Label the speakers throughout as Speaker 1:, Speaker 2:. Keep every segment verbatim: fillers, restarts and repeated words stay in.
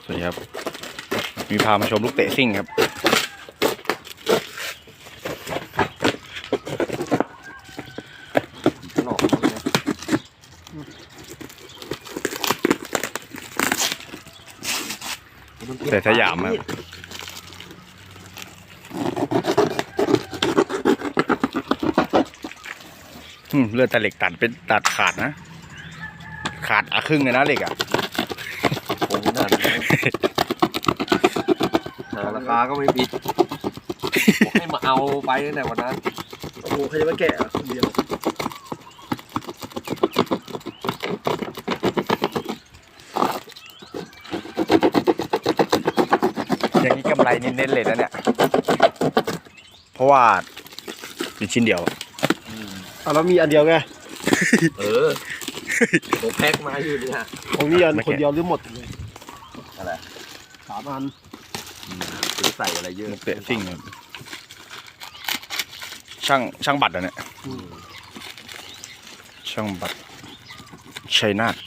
Speaker 1: วัสดีครับมีพามาชมลูกเตะซิ่งครับแต่สยามครับเลือดแต่เหล็กตัดเป็นตัดขาดนะขาดอะครึ่งเลยนะเหล็กอ่ะ
Speaker 2: ผมนั่นราคาก็ไม่ผิดบอกให้มาเอาไปตั้งแต่วันนั้นโอ้โหใครจะมาแกะคนเดียว
Speaker 1: อย่างนี้กำไรเน้นๆเลยนะเนี่ยเพราะว่ามีชิ้นเดียว
Speaker 3: อ่ะเรามีอันเดียวไง
Speaker 2: เออผมแพ็คมาอยู่เนี่ย
Speaker 3: ของนี่อันคนเดียวหรือหมดเลย
Speaker 2: อะไร
Speaker 3: สามอัน
Speaker 2: จะใส่อะไรเยอะ
Speaker 1: เตะซิ่งช่างช่างบัตรอ่ะเนี่ยช่างบัตรชัยนาท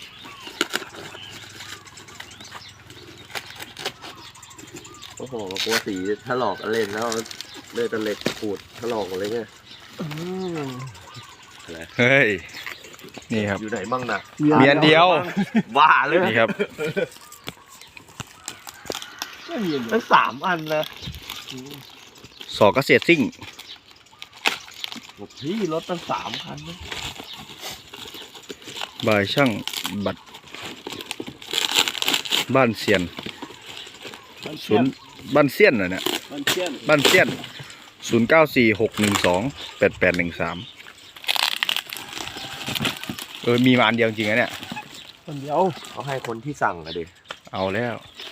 Speaker 2: โอ้โหกลัวสีถลอกเล่นแล้วเลือดตะเล็กขูดถลอกอะไรเงี้ย
Speaker 1: เฮ้ยนี่ครับ
Speaker 2: อยู่ไหนบ้างนะ
Speaker 1: มีอันเดียว
Speaker 2: ว่าเลย
Speaker 1: นี่ครับ
Speaker 2: ตั้งสามอันนะ
Speaker 1: สอเกษตรซิ่ง
Speaker 2: พี่รถตั้งสามคันนะ
Speaker 1: บายช่างบัตรบ้านเซียนศูนย์บ้านเซียนน่ะเนี่ย
Speaker 3: บ้านเซียน
Speaker 1: บ้านเซียนศูนย์เก้าสี่หกหนึ่งสองแปดแปดหนึ่งสามเออมีมาอันเดียวจริงๆนะเนี่ย
Speaker 3: คนเดียว
Speaker 2: เขาให้คนที่สั่งอะดิ
Speaker 1: เอาแล้ว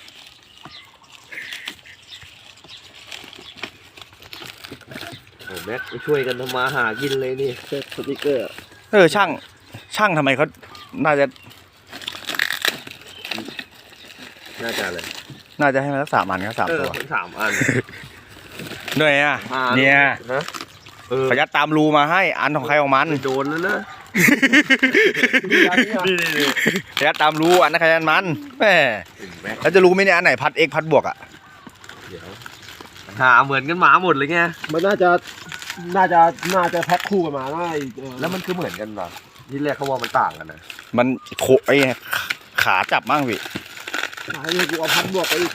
Speaker 2: โอ้แม็กไปช่วยกันทำมาหากินเลยนี่
Speaker 3: เซตสติกเกอร์
Speaker 1: เออช่างช่างทำไมเขาน่าจะ
Speaker 2: น่าจะเลย
Speaker 1: น่าจะให้มาสักสามอันครับสามตัว
Speaker 2: สามอัน
Speaker 1: เหนื่อยอ่ะเนี่ยเขายัดตามรูมาให้อันของใครของมัน
Speaker 2: โดนแล้วนะ
Speaker 1: นี่ๆเขายัดตามรูอันนั้นใครอันมันแม่แล้วจะรู้ไหมเนี่ยอันไหนพัดเอ็กพัดบวกอ่ะ
Speaker 2: เดี๋ยวหาเหมือนกันหมาหมดเลยไง
Speaker 3: มันน่าจะน่าจะน่าจะแพ็คคู่กันมาได้
Speaker 2: แล้วมันคือเหมือนกันเหรอที่แรกเขาว่ามันต่างกันนะ
Speaker 1: มันโคไอขาจับมั่งพี่
Speaker 3: ไอ้กูเอาพัดบวกไปอีก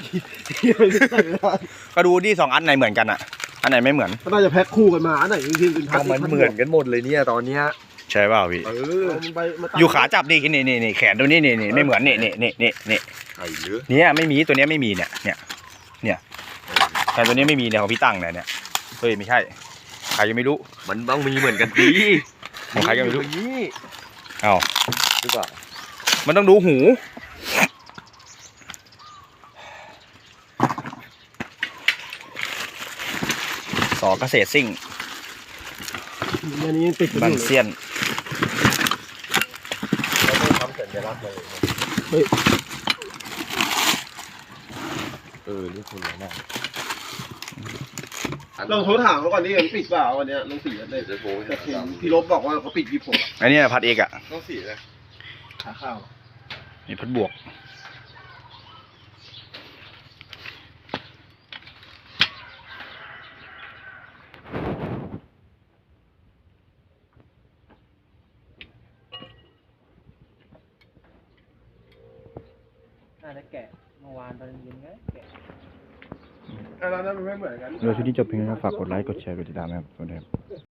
Speaker 1: ก็ดูที่สองอันไหนเหมือนกันอ่ะอันไหนไม่เหมือน
Speaker 3: ก็น่าจะแพ็คคู่กันมาอันไหนจริงๆเป็นพัด
Speaker 2: มันเหมือนกันหมดเลยเนี่ยตอนเนี้ย
Speaker 1: ใช่เปล่าพี่
Speaker 3: เออ
Speaker 1: อยู่ขาจับดินี่นี่นี่แขนตัวนี้นี่นี่ไม่เหมือนนี่นี่นี่นี่นี่
Speaker 2: ไอ้เลือ
Speaker 1: เนี่ยไม่มีตัวนี้ไม่มีเนี่ยเนี่ยเนี่ยแต่ตัวนี้ไม่มีเนี่ยของพี่ตั้งเนี่ยเนี่ยเฮ้ยไม่ใช่ใครยังไม่รู้
Speaker 2: มันต้องมีเหมือนกันดี
Speaker 1: ของใครยังไม่รู้เอา
Speaker 2: หรือเปล่า
Speaker 1: มันต้องดูหูสอเกษตรซิ่ง
Speaker 3: อันนี้ติด
Speaker 1: บันเซียน
Speaker 2: เราต้องทำสัญลักษณ์เลย
Speaker 3: เฮ้ย
Speaker 2: เออนี่คุณอะไรนะ
Speaker 3: ลองโทรถามเขาก่อนนี่มันปิดเปล่าวันนี้ลองสีอะไรแต่พี่ลบบอกว่าเขาปิดยี่สิบหก
Speaker 1: อันนี้พัดเอกอะ
Speaker 2: ต้องสีเลย
Speaker 3: ขาข้าว
Speaker 1: นี่พัดบวก
Speaker 3: น่าจะแกะเมื่อวานตอนเย็นไงแกะอันนั้นมันไม่เหมือนกัน
Speaker 1: เรื่องที่นี้จบเพียงเท่านี้ฝากกดไลค์กดแชร์กดติดตามนะครับสวัสดีครับ